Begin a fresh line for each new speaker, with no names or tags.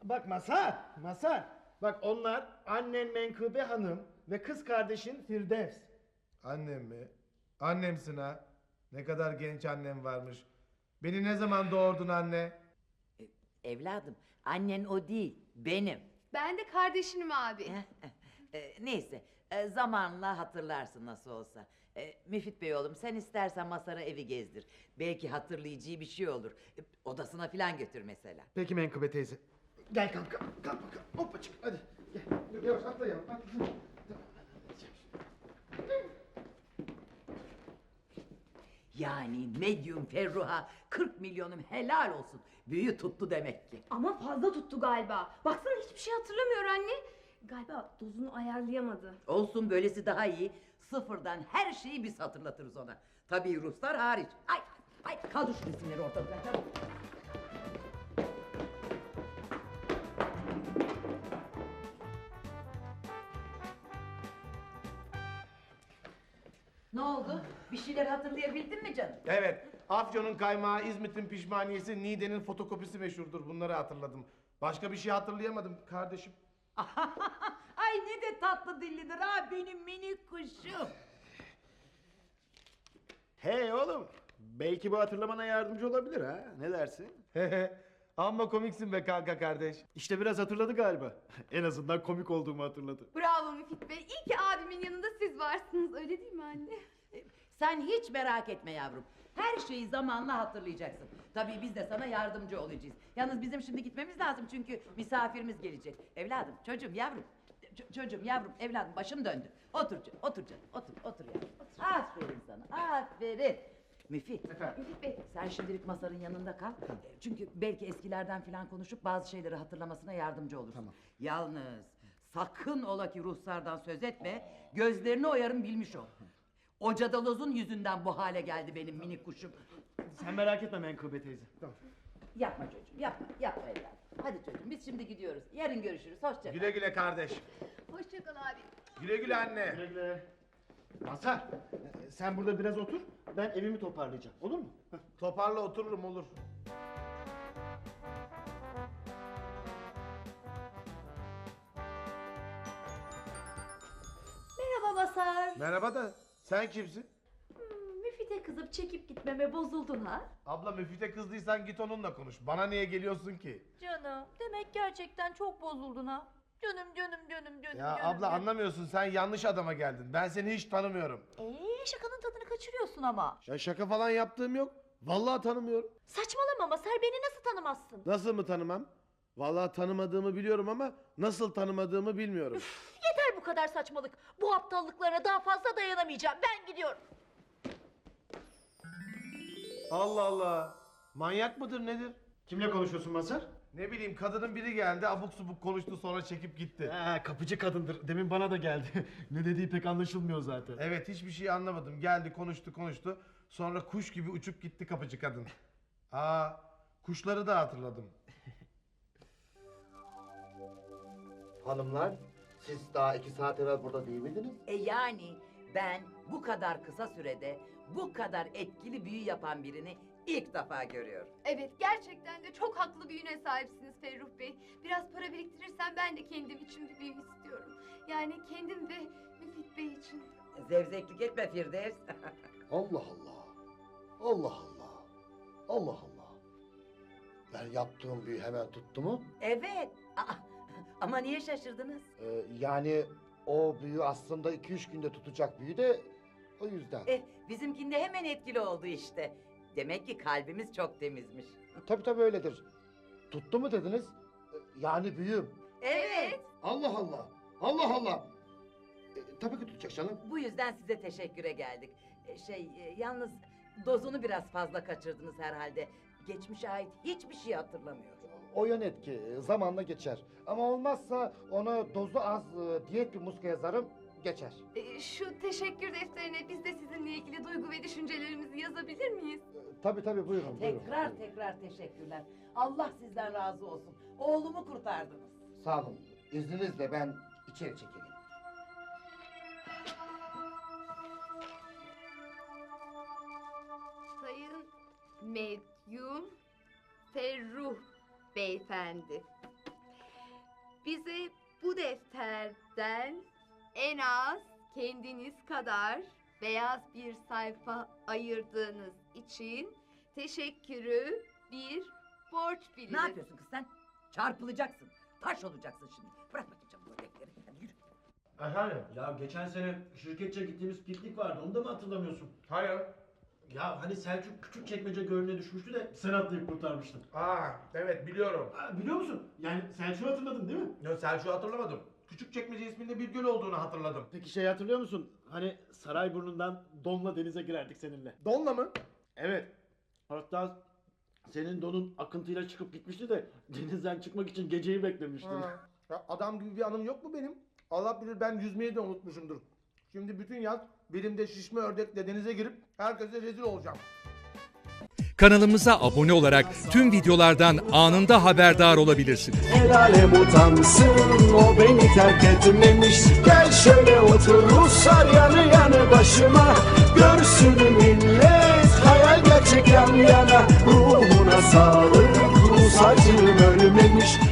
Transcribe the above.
Bak Mazhar. Bak onlar annen Menkıbe Hanım ve kız kardeşin Firdevs.
Annem mi? Annemsin ha. Ne kadar genç annem varmış. Beni ne zaman doğurdun anne?
Evladım, annen o değil, benim.
Ben de kardeşinim abi.
Neyse, zamanla hatırlarsın nasıl olsa. Müfit Bey oğlum, sen istersen Masar'a evi gezdir. Belki hatırlayacağı bir şey olur. Odasına filan götür mesela.
Peki Menkıbe teyze. Gel kalk bakalım. Hoppacık hadi. Gel. Dur, yavaş atlayalım.
Yani medyum Ferruh'a 40 milyonum helal olsun. Büyü tuttu demek ki.
Ama fazla tuttu galiba. Baksana hiçbir şey hatırlamıyor anne. Galiba dozunu ayarlayamadı.
Olsun, böylesi daha iyi. Sıfırdan her şeyi biz hatırlatırız ona. Tabii Ruslar hariç. Ay kaldır şu resimleri ortadan. Çabuk. Ne oldu? Bir şeyler hatırlayabildin mi canım?
Evet. Afyon'un kaymağı, İzmit'in pişmaniyesi, Niğde'nin fotokopisi meşhurdur. Bunları hatırladım. Başka bir şey hatırlayamadım kardeşim.
Ay ne de tatlı dillidir ha benim minik kuşum.
Hey oğlum. Belki bu hatırlamana yardımcı olabilir ha. Ne dersin?
Amma komiksin be kanka kardeş.
İşte biraz hatırladı galiba. En azından komik olduğumu hatırladı.
Bravo Müfit Bey. İyi ki abimin yanında siz varsınız. Öyle değil mi anne?
Sen hiç merak etme yavrum. Her şeyi zamanla hatırlayacaksın. Tabii biz de sana yardımcı olacağız. Yalnız bizim şimdi gitmemiz lazım çünkü misafirimiz gelecek. Evladım, çocuğum, yavrum. Çocuğum, yavrum, evladım başım döndü. Otur canım, otur yavrum. Otur. Aferin sana, aferin. Müfit,
Müfit Bey.
sen şimdilik Masar'ın yanında kal. Çünkü belki eskilerden falan konuşup bazı şeyleri hatırlamasına yardımcı olursun.
Tamam.
Yalnız sakın ola ki ruhsardan söz etme, gözlerini oyarım bilmiş ol. O cadalozun yüzünden bu hale geldi benim minik kuşum.
Sen merak etme Menkıbe teyze. Tamam.
Yapma çocuğum, yapma evladım. Hadi çocuğum, biz şimdi gidiyoruz. Yarın görüşürüz, hoşça kal.
Güle güle kardeş.
Hoşça kal abi.
Güle güle anne.
Güle güle. Mazhar, sen burada biraz otur. Ben evimi toparlayacağım. Olur mu? Heh.
Toparla otururum olur.
Merhaba Masar.
Merhaba da sen kimsin?
Müfit'e kızıp çekip gitmeme bozuldun ha?
Abla Müfit'e kızdıysan git onunla konuş. Bana niye geliyorsun ki?
Canım, demek gerçekten çok bozuldun ha. Canım.
Ya abla anlamıyorsun, sen yanlış adama geldin. Ben seni hiç tanımıyorum.
Şakanın tadını kaçırıyorsun ama.
Ya şaka falan yaptığım yok. Vallahi tanımıyorum.
Saçmalama Masar, beni nasıl tanımazsın?
Nasıl mı tanımam? Vallahi tanımadığımı biliyorum ama nasıl tanımadığımı bilmiyorum.
Yeter bu kadar saçmalık. Bu aptallıklarına daha fazla dayanamayacağım. Ben gidiyorum.
Allah Allah. Manyak mıdır nedir?
Kimle konuşuyorsun Mazhar?
Ne bileyim, kadının biri geldi abuk subuk konuştu sonra çekip gitti.
Kapıcı kadındır. Demin bana da geldi. Ne dediği pek anlaşılmıyor zaten.
Evet, hiçbir şey anlamadım. Geldi konuştu. Sonra kuş gibi uçup gitti kapıcı kadın. Kuşları da hatırladım.
Hanımlar, siz daha 2 saat evvel burada değil miydiniz?
Yani ben bu kadar kısa sürede bu kadar etkili büyü yapan birini ilk defa görüyorum.
Evet gerçekten de çok haklı bir yüne sahipsiniz Ferruh Bey. Biraz para biriktirirsem ben de kendim için bir büyü istiyorum. Yani kendim ve Müfit Bey için.
Zevzeklik etme Firdevs.
Allah Allah. Allah Allah. Allah Allah. Ben yaptığım büyü hemen tuttu mu?
Evet. Ama niye şaşırdınız?
Yani o büyü aslında 2-3 günde tutacak büyü de o yüzden.
Bizimkinde hemen etkili oldu işte. Demek ki kalbimiz çok temizmiş.
Tabii öyledir. Tuttu mu dediniz? Yani büyüm.
Evet.
Allah Allah. Allah Allah. Tabii ki tutacak canım.
Bu yüzden size teşekküre geldik. Yalnız dozunu biraz fazla kaçırdınız herhalde. Geçmişe ait hiçbir şey hatırlamıyor.
O yan etki zamanla geçer. Ama olmazsa ona dozu az diyet bir muska yazarım, geçer.
Şu teşekkür defterine biz de sizinle ilgili duygu ve düşüncelerimizi yazabilir miyiz?
Tabii buyurun.
Tekrar teşekkürler. Allah sizden razı olsun. Oğlumu kurtardınız.
Sağ olun. İzninizle ben içeri çekileyim.
Sayın Medyum Ferruh Beyefendi. bize bu defterden en az kendiniz kadar beyaz bir sayfa ayırdığınız için teşekkürü bir borç biliriz.
Ne yapıyorsun kız sen? Çarpılacaksın. Taş olacaksın şimdi. Bırak bakayım canım bu börekleri. Hadi yürü.
Efendim?
Ya geçen sene şirketçe gittiğimiz piknik vardı, onu da mı hatırlamıyorsun?
Hayır.
Ya hani Selçuk Küçükçekmece Gölü'ne düşmüştü de sen atlayıp kurtarmıştın.
Aa, evet biliyorum.
Ha, biliyor musun? Yani Selçuk'u hatırladın değil mi?
Yo, Selçuk'u hatırlamadım. Küçükçekmece isminde bir göl olduğunu hatırladım.
Peki şey hatırlıyor musun? Hani Sarayburnu'ndan donla denize girerdik seninle.
Donla mı?
Evet. Hatta senin donun akıntıyla çıkıp gitmişti de denizden çıkmak için geceyi beklemiştin.
Ha. Ya adam gibi bir anım yok mu benim? Allah bilir ben yüzmeyi de unutmuşumdur. Şimdi bütün yaz belimde şişme ördekle denize girip herkese rezil olacağım.
Kanalımıza abone olarak tüm videolardan anında haberdar olabilirsiniz.
El alem utansın, o beni terk etmemiş. Gel şöyle otur Ruslar yanı yanı başıma. Görsün millet hayal gerçek yan yana. Ruhuna sağlık, Rus acım ölmemiş.